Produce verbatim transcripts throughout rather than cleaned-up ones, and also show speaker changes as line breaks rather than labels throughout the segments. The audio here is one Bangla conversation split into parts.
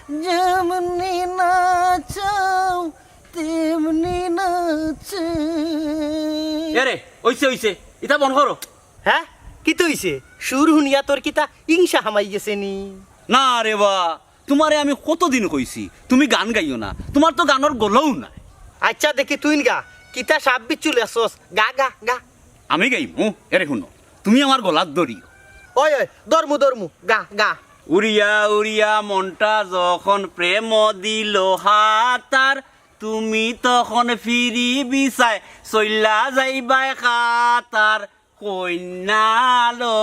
যেমনি নাচাও তেমনি নাচে।
এরে ওইছে ওইছে এটা বন করো।
হ্যাঁ কি তো হইছে? সুর শুনিয়া তোর কিতা ইংসা হামাই গেছে নি?
না রে বা, তোমারে আমি কতদিন কইছি তুমি গান গাইও না, তোমার তো গানের গলাও নাই।
আচ্ছা দেখি তুই গা, কিতা সাপ বিচ্ছুল আসস, গা গা গা।
আমি গাইমু, এরে শুনো, তুমি আমার গলার দড়িও।
ওই ওই দরমু দরমু, গা গা।
উড়িয়া উড়িয়া মনটা যখন প্রেম দিল হাতার, তুমি তখন ফিরি বিচাই চইলা যাইবাই খাতার। কইনালো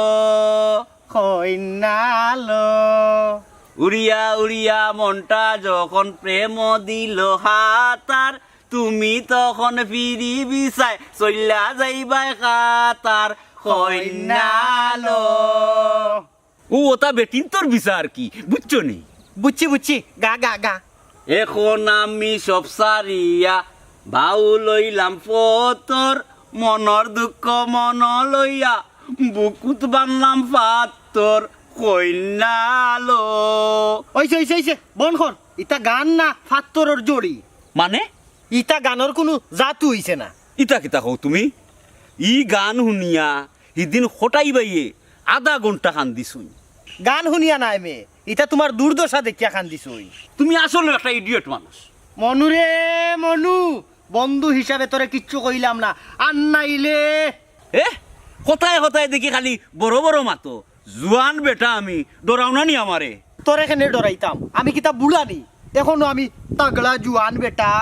কইনালো
উড়িয়া উড়িয়া মনটা যখন প্রেম দিল হাতার, তুমি তখন ফিরি বিচাই চইলা যাইবাই খাতার। কইনালো ও ওটা বেটিন তোর বিচার কি বুঝছো নি?
বুঝছি বুঝছি, গা গা গা।
এখন আমি সব সারিয়া ভাউ লইলাম পতর, মনর দুঃখ মন লইয়া বুকুত বানলাম পাতর। কইনালো
ওইছে ওইছে ওইছে, বন কর। ইটা গান না ফাত্তরর জড়ি,
মানে
ইটা গানের কোনো জাতু হইছে না।
ইটা কিতা কও তুমি? ই গান শুনিয়া সিদিন হটাই বাইয়ে আধা ঘন্টা খান দিছুই।
গান শুনিয়া নাই মে, ইটা তোমার দুর্দশা দেখিয়া খান দিছই।
তুমি আসলে একটা ইডিয়ট মানুষ।
মনু রে মনু, বন্ধু হিসাবে তোরে কিচ্ছু কইলাম না, আর নাইলে
এ হতায় হতায় দেখি খালি বড় বড় মাতো। জুয়ান বেটা আমি, ডরাও না নি আমারে?
তোর এখানে ডরাইতাম? আমি কিতা বুড়ানি? এখনো আমি তাগড়া জুয়ান বেটা।